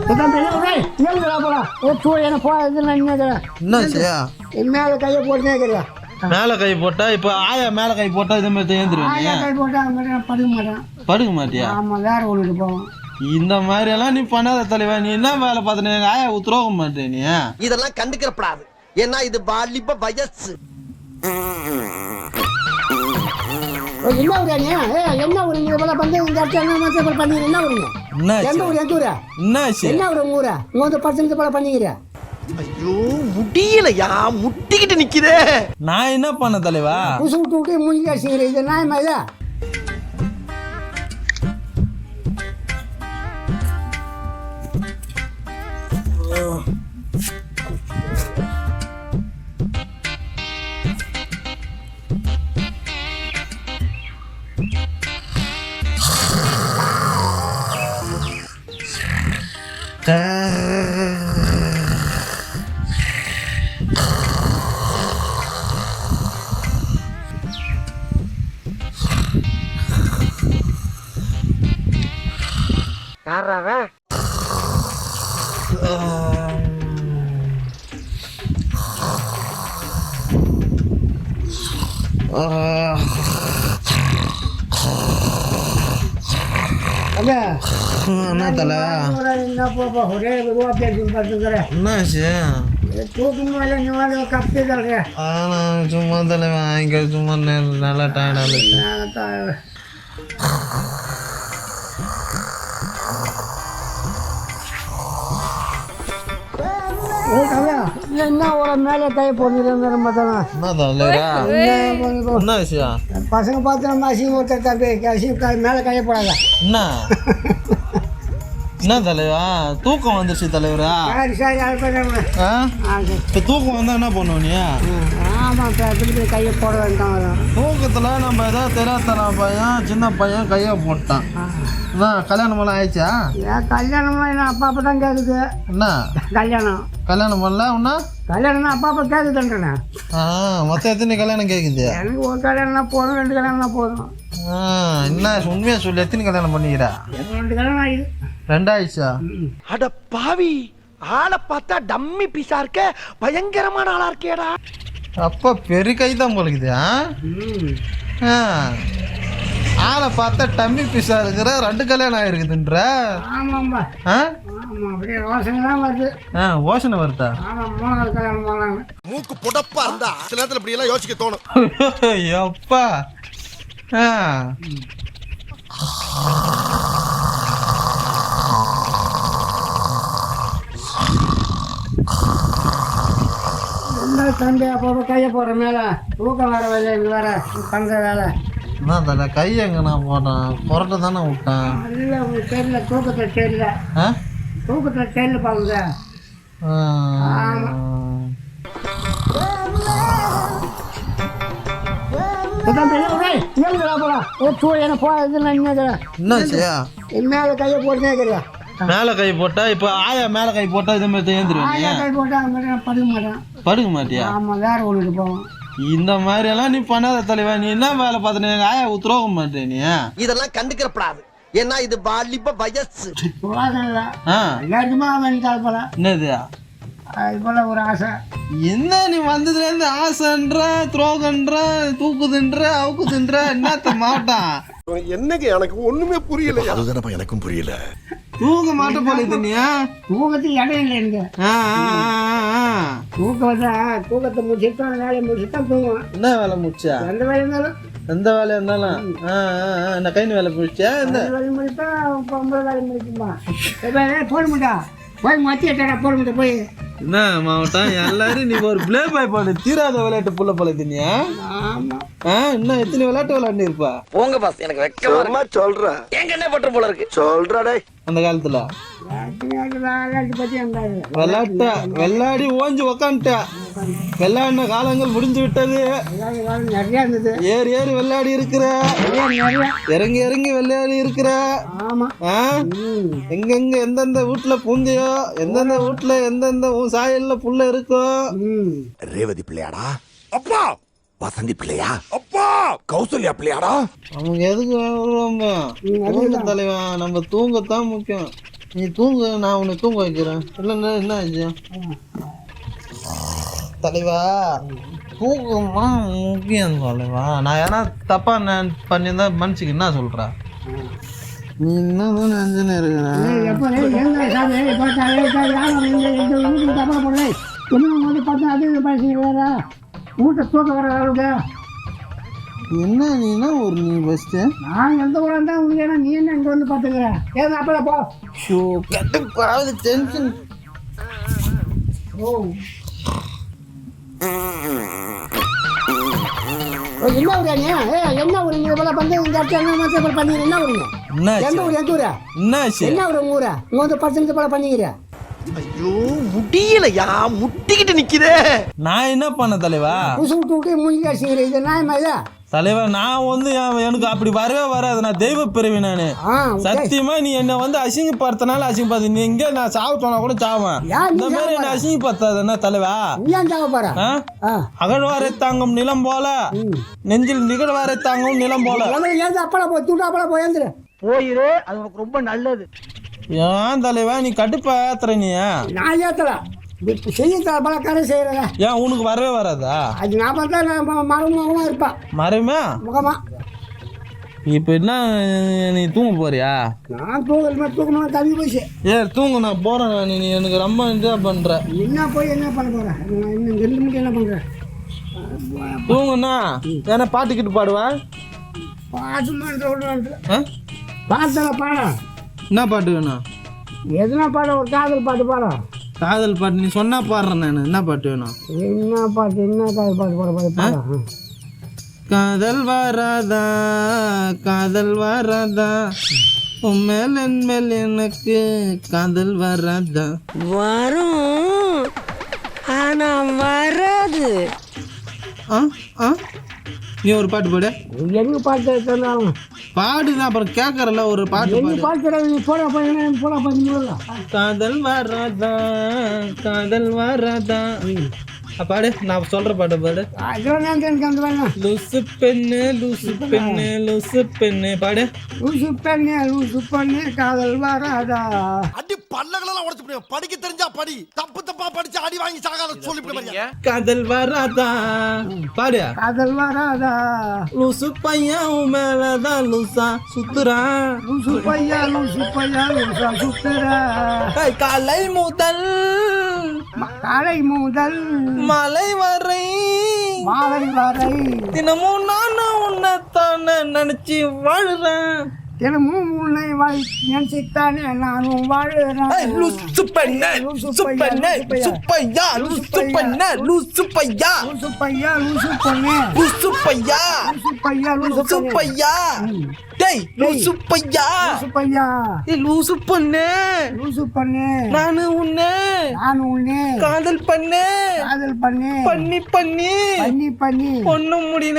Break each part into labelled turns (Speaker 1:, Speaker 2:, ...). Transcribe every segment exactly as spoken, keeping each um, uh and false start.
Speaker 1: மேல கையை போட்டுனே
Speaker 2: மேல கை போட்டா இப்ப ஆயா மேல கை போட்டா இதே மாதிரி ஏந்திருவேன்.
Speaker 1: கை போட்டா படுக்க மாட்டேன்.
Speaker 2: படுக்க மாட்டியா?
Speaker 1: ஆமா, வேற ஒண்ணுக்கு போவோம்.
Speaker 2: இந்த மாதிரி எல்லாம் நீ பண்ணாத தலைவா. நீ என்ன வேலை பார்த்த எங்க ஆயா உத்தரவ மாட்டேன். நீ
Speaker 3: இதெல்லாம் கண்டுக்கிறப்படாது. ஏன்னா இது வாலிப வயசு.
Speaker 1: என்ன ஊரா நீ? என்ன ஊரு? நீங்க போல பண்ணி இந்த இடத்துல என்ன மாதிரி பண்ணீங்க? என்ன ஊருங்க? எந்த ஊர்? எந்த ஊரா? என்ன ஊரு உங்க ஊரா? இங்க வந்து பத்து நிமிஷம் போல பண்ணீங்க.
Speaker 3: ஐயோ முடியலையா, முட்டிக்கிட்டு நிக்குதே.
Speaker 2: நான் என்ன பண்ண தலைவா?
Speaker 1: புசு விட்டு விட்டு மூஞ்சி அடிச்சுக்கிறேன். இது நியாயமா இதா?
Speaker 3: யாராவே
Speaker 2: என்ன தலை?
Speaker 1: ஒரே ரூபா பேசி பார்த்துக்கிறேன்.
Speaker 2: என்னாச்சு?
Speaker 1: தூக்கம் மேலே நீ வந்து கப்பி தரேன்.
Speaker 2: ஆனா சும்மா தலைவா இங்க சும்மா நல்லா டயர்டாக
Speaker 1: என்ன ஒரு மேலே கை போட்டுருந்தேன்.
Speaker 2: என்ன விஷயம்?
Speaker 1: பசங்க பார்த்து நம்ம அசிங்க ஒருத்தர் தம்பி அசிங்க மேலே கையை போடாத.
Speaker 2: என்ன என்ன தலைவா? தூக்கம் வந்துருச்சு தலைவரா.
Speaker 1: சரி சரி
Speaker 2: இப்போ தூக்கம் வந்தா என்ன பண்ணுவோம் நீ?
Speaker 1: ஆமாம், திருப்பி கையை போட வேண்டாம்.
Speaker 2: தூக்கத்துல நம்ம ஏதாவது தெரியாத பையன் சின்ன பையன் கையை போட்டான். கல்யாணம் எல்லாம் ஆயிடுச்சா?
Speaker 1: ஏன் கல்யாணம்லாம் என்ன அப்பா அப்பா தான் கேட்குது.
Speaker 2: என்ன
Speaker 1: கல்யாணம்
Speaker 2: கல்யாணம் பண்ணல ஒன்னா?
Speaker 1: கல்யாணம்னா அப்பா அப்பா கேட்குதுன்றேண்ணே.
Speaker 2: ஆ மொத்தம் எத்தனை கல்யாணம் கேட்குது?
Speaker 1: எனக்கு ஒரு கல்யாணம்னா போதும், ரெண்டு கல்யாணம்னா போதும்.
Speaker 2: ஆ என்ன உண்மையாக சொல்லி எத்தனை கல்யாணம் பண்ணிக்கிறா?
Speaker 1: ரெண்டு கல்யாணம் ஆயிடுது.
Speaker 2: ரெண்டாயிடுச்சா?
Speaker 3: அட பாவி, ஆளை பார்த்தா டம்மி பீஸா இருக்க, பயங்கரமான ஆளா இருக்கேடா.
Speaker 2: அப்பா பெரிய கை தான் போலுக்குது. ஆ ஆளை பார்த்தா டம்மி பீஸா இருக்கிற, ரெண்டு கல்யாணம் ஆயிருக்குதுன்ற.
Speaker 1: ஆமாம்பா.
Speaker 2: ஆ
Speaker 1: ஆமாம், அப்படியே யோசனை தான் வருது.
Speaker 2: ஆ யோசனை வருதா?
Speaker 1: ஆமாம், மூணாவது கல்யாணம் போனாங்க.
Speaker 3: மூக்கு புடப்பா இருந்தா சில நேரத்தில் இப்படி எல்லாம் யோசிக்க தோணும்.
Speaker 2: அப்பா ஆ
Speaker 1: என்ன தம்பி அப்போ கையை போடுற மேலே தூக்கம் வர வேலை வேற பண்ணுற வேலை.
Speaker 2: என்ன தலை கை எங்க நான் போட்டேன்? புரட்ட தானே விட்டேன்.
Speaker 1: இல்லை உங்களுக்கு தெரியல, தூக்கத்தில் தெரியல.
Speaker 2: ஆ
Speaker 1: தூக்கத்தில் தெரியல பாருங்க. மேல கையை போட்டுனே
Speaker 2: மேல கை போட்டா இப்ப ஆயா மேல கை போட்டா இதே மாதிரி ஏந்திருவேன்.
Speaker 1: கை போட்டா படுக்க மாட்டேன்.
Speaker 2: படுக்க மாட்டியா?
Speaker 1: ஆமா, வேற ஒண்ணுக்கு போவோம்.
Speaker 2: இந்த மாதிரி எல்லாம் நீ பண்ணாத தலைவா. நீ என்ன வேலை பார்த்த எங்க ஆயா உத்தரவ மாட்டேன். நீ
Speaker 3: இதெல்லாம் கண்டுக்கிறப்படாது. ஏன்னா இது வாலிப வயசு.
Speaker 1: எல்லாருக்குமா வேண்டாம் போல.
Speaker 2: என்னது
Speaker 1: அது போல ஒரு ஆசை.
Speaker 2: என்ன நீ வந்ததுல இருந்து ஆசைன்ற, துரோகன்ற, தூக்குதுன்ற, அவுக்குதுன்ற, என்னத்த மாட்டான்?
Speaker 3: என்னங்க எனக்கு ஒண்ணுமே புரியல. அதுதானப்பா எனக்கும் புரியல.
Speaker 2: தூங்க மாட்ட போல இது. நீ
Speaker 1: தூக்கத்துக்கு இடம் இல்லை எனக்கு. தூக்கம் தான். தூக்கத்தை முடிச்சுட்டு வேலையை முடிச்சுட்டு தான் தூங்குவேன்.
Speaker 2: என்ன வேலை முடிச்சா?
Speaker 1: எந்த வேலை இருந்தாலும்
Speaker 2: எந்த வேலையா இருந்தாலும் என்ன கை வேலை முடிச்சா? எந்த
Speaker 1: வேலை முடிப்பா பொம்பளை வேலை முடிக்குமா? போட முடியா? போய் மத்தி எட்டா போட முடியும். போய்
Speaker 2: என்ன மாவட்டம் எல்லாரும் நீ ஒரு பிளே பாய் பாடு தீராத விளையாட்டு புள்ள போல தினியா?
Speaker 1: ஆமா.
Speaker 2: இன்னும் எத்தனை விளையாட்டு விளையாண்டு இருப்பா?
Speaker 3: போங்க பாஸ், எனக்கு வெக்கமா சொல்றேன். எங்க என்ன பண்ற போல இருக்கு சொல்றா. அந்த காலத்துல விளையாட்ட விளையாடி ஓஞ்சி உக்காந்துட்ட. விளையாடின காலங்கள் முடிஞ்சு விட்டது.
Speaker 1: நிறைய இருந்தது.
Speaker 2: ஏறி ஏறி விளையாடி இருக்கிற, இறங்கி இறங்கி விளையாடி இருக்கிற. எங்கெங்க எந்தெந்த வீட்டுல பூந்தியோ, எந்தெந்த வீட்டுல எந்தெந்த சாயல்ல புள்ள இருக்கோ.
Speaker 3: ரேவதி பிள்ளையாடா? அப்பா வசந்தி பிள்ளையா? அப்பா கௌசல்யா பிள்ளையாடா?
Speaker 2: அவங்க எதுக்கு தலைவா? நம்ம தூங்கத்தான் முக்கியம். நீ தூங்கு, நான் உன்னை தூங்க வைக்கிறேன். இல்லைன்னா என்ன ஆச்சு தலைவா? தூக்கமா முக்கியம் தலைவா. நான் ஏன்னா தப்பா நான் பண்ணியிருந்தா மனுஷிக்கு என்ன சொல்கிறா? நீ இன்னும் நினைச்சுன்னு இருக்கிறேன்.
Speaker 1: எப்போ தப்பா போடுறேன் இன்னும் வந்து பார்த்தா அது பேசுகிறா மூட்டை தூக்க வர அளவுக்கு
Speaker 2: என்ன நீனா ஒரு நீ ஃபஸ்ட்டு
Speaker 1: நான் எந்த ஊராக இருந்தால் உங்களுக்கு ஏன்னா நீ என்ன இங்கே வந்து பார்த்துக்கிறேன் ஏன் அப்போ போ
Speaker 2: ஷோ கட்டு பாவது டென்ஷன்.
Speaker 1: ஓ என்ன ஊரா நீ? ஏ என்ன ஊர் நீங்க போல வந்து இந்த இடத்துல என்ன மாதிரி பண்ணீங்க? என்ன ஊருங்க? எந்த ஊர்? எந்த ஊரா? என்ன ஊர் உங்க ஊரா? இங்க வந்து பத்து நிமிஷம் போல பண்ணீங்க.
Speaker 3: ஐயோ முடியலையா, முட்டிக்கிட்டு நிக்குதே.
Speaker 2: நான் என்ன பண்ண தலைவா?
Speaker 1: புசு விட்டு விட்டு மூஞ்சி அடிச்சுக்கிற இது நியாயமா இதா?
Speaker 2: தலைவா நான் வந்து எனக்கு அப்படி வரவே வராது. நான் தெய்வ பிறவி நானு. சத்தியமா நீ என்ன வந்து அசிங்கப்படுத்தினால அசிங்கப்படுத்து. நீ இங்கே நான் சாவு சொன்னா கூட சாவேன். இந்த மாதிரி என்ன அசிங்கப்படுத்தாது என்ன தலைவா?
Speaker 1: ஏன் சாவ போற?
Speaker 2: அகழ்வாரை தாங்கும் நிலம் போல நெஞ்சில் நிகழ்வாரை தாங்கும் நிலம் போல.
Speaker 1: ஏன் அப்பள போய் தூட்டு அப்பள போய் எழுந்துரு
Speaker 3: போயிரு, அது உனக்கு ரொம்ப நல்லது.
Speaker 2: ஏன் தலைவா நீ கடுப்பா ஏத்துற? நீ
Speaker 1: நான் ஏத்தல செய்ய பழக்கார செய்யறத.
Speaker 2: ஏன் உனக்கு வரவே வராதா?
Speaker 1: அது நான் பார்த்தா நான் மரமுகமா இருப்பேன்.
Speaker 2: மரமா
Speaker 1: முகமா.
Speaker 2: இப்போ என்ன நீ தூங்க போறியா?
Speaker 1: நான் தூங்கல் தூக்கணும் தள்ளி போச்சு.
Speaker 2: ஏ தூங்க நான் போறேன். நீ நீ எனக்கு ரொம்ப என்ஜாய் பண்ற.
Speaker 1: என்ன போய் என்ன பண்ண போறேன்? இன்னும் ரெண்டு மணிக்கு என்ன பண்ற?
Speaker 2: தூங்குண்ணா. ஏன்னா பாட்டுக்கிட்டு பாடுவா?
Speaker 1: பாட்டு மாட்ட பாட்டல பாட.
Speaker 2: என்ன பாட்டு வேணும்?
Speaker 1: எதுனா பாட? ஒரு காதல் பாட்டு பாட.
Speaker 2: காதல் பாட்டு நீ சொன்னா பாடுறேன் நான். என்ன பாட்டு வேணும்?
Speaker 1: என்ன பாட்டு? என்ன காதல் பாட்டு பாட பாட?
Speaker 2: காதல் வராதா காதல் வராதா உண்மையில் என்மேல் எனக்கு காதல் வராதா?
Speaker 4: வரும் ஆனா வராது.
Speaker 2: ஆ ஆ நீ ஒரு பாட்டு பாடு.
Speaker 1: எங்க பாட்டு சொன்னாலும்
Speaker 2: பாடுதான் அப்புறம் கேட்கறல ஒரு பாட்டு
Speaker 1: பாடு. பாட்டு நீ போட போய் போட போய்
Speaker 2: காதல் வராதா காதல் வராதா பாடு. நான் சொல்ற பாட்டு பாடு. லூசு பெண்ணு லூசு பெண்ணு லூசு பெண்ணு பாடு.
Speaker 1: லூசு பெண்ணு லூசு பெண்ணு காதல் வராதா.
Speaker 3: அடி பல்லகளெல்லாம் உடைச்சு போடுங்க. படிக்க தெரிஞ்சா படி, தப்பு தப்பா படிச்சு அடி வாங்கி சாகாத சொல்லிவிடுங்க.
Speaker 2: காதல் வராதா பாடு.
Speaker 1: காதல் வராதா.
Speaker 2: லூசு பையன் உன் மேலதான் லூசா சுத்துறா.
Speaker 1: லூசு பையா லூசு பையா லூசா சுத்துறா.
Speaker 2: காலை முதல்
Speaker 1: காலை முதல்
Speaker 2: மலை வரை
Speaker 1: மாலை வரை
Speaker 2: தினமும் நானும் உன்னைத்தானே நினைச்சு வாழுறேன்.
Speaker 1: தினமும் உன்னை வாய் நினைச்சுத்தானே நானும் வாழுறேன்.
Speaker 2: லூசு பெண்ணே லூசு பெண்ணே சுப்பையா லூசு பெண்ணே லூசு பையா
Speaker 1: லூசு பையா லூசு பொண்ணே
Speaker 2: லூசு பையா
Speaker 1: லூசு பையா
Speaker 2: லூசு பையா. டேய் லூசு பையா
Speaker 1: லூசு பையா
Speaker 2: ஏய் லூசு பொண்ணே
Speaker 1: லூசு பொண்ணே
Speaker 2: நானு உன்னை
Speaker 1: நானு உன்னை
Speaker 2: காதல் பண்ணே
Speaker 1: காதல் பண்ணே
Speaker 2: பண்ணி பண்ணி
Speaker 1: பண்ணி பண்ணி
Speaker 2: ஒண்ணும் முடியல.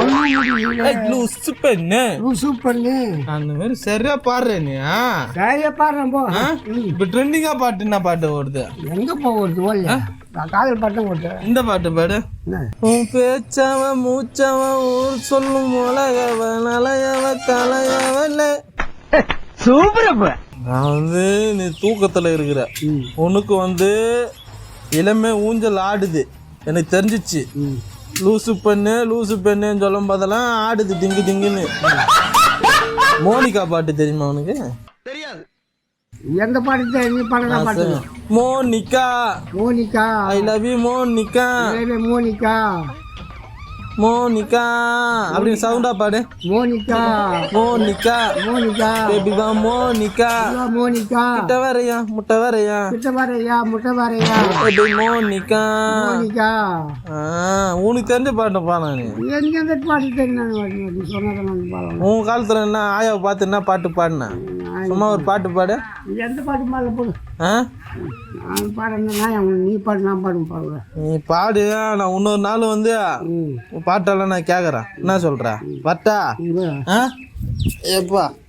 Speaker 2: லூசு பெண்ணே
Speaker 1: லூசு பொண்ணே
Speaker 2: அந்த மாதிரி சரியா பாடுறேன் நீ.
Speaker 1: சரியா பாடுறேன் போ.
Speaker 2: இப்ப ட்ரெண்டிங்கா பாட்டு என்ன பாட்டு ஓடுது?
Speaker 1: எங்க போகிறது ஓல்ல நான் காதல் பாட்டும் ஓட்டுறேன்.
Speaker 2: இந்த பாட்டு பாடு. உன் பேச்சவன் மூச்சவன் ஊர் சொல்லும் உலகவன் அலையவ கலையவல்ல.
Speaker 3: சூப்பர்.
Speaker 2: நான் வந்து நீ தூக்கத்துல இருக்கிற உனக்கு வந்து இளமை ஊஞ்சல் ஆடுது எனக்கு தெரிஞ்சிச்சு. லூசு பெண்ணு லூசு பெண்ணுன்னு சொல்லும் போதெல்லாம் ஆடுது திங்கு திங்குன்னு. மோனிகா பாட்டு தெரியுமா உனக்கு?
Speaker 1: தெரியாது. எந்த பாட்டு? நீ பாடுற பாட்டு.
Speaker 2: Monica
Speaker 1: Monica
Speaker 2: I love you Monica
Speaker 1: Monica
Speaker 2: Monica அப்படின்னு சவுண்டா பாடு.
Speaker 1: மோனிகா
Speaker 2: மோனிகா
Speaker 1: மோனிகா
Speaker 2: பேபி வா மோனிகா
Speaker 1: மோனிகா
Speaker 2: முட்டை வரையா முட்டை வரையா
Speaker 1: முட்டை வரையா முட்டை வரையா
Speaker 2: பேபி மோனிகா
Speaker 1: மோனிகா.
Speaker 2: உனக்கு தெரிஞ்ச பாட்டு பாடலாம் நீ.
Speaker 1: எனக்கு எந்த பாட்டு தெரியும் சொன்னதான் பாடலாம்.
Speaker 2: உன் காலத்துல என்ன ஆயாவை பார்த்து என்ன பாட்டு பாடின? சும்மா ஒரு பாட்டு பாடு.
Speaker 1: எந்த பாட்டு பாடல போடு.
Speaker 2: ஆ
Speaker 1: நான் பாடுறேன் நீ பாடு நான் பாடு பாடுவேன்.
Speaker 2: நீ பாடு. நான் இன்னொரு நாள் வந்து பாட்டெல்லாம் நான் கேட்குறேன். என்ன சொல்ற? பட்டா எப்பா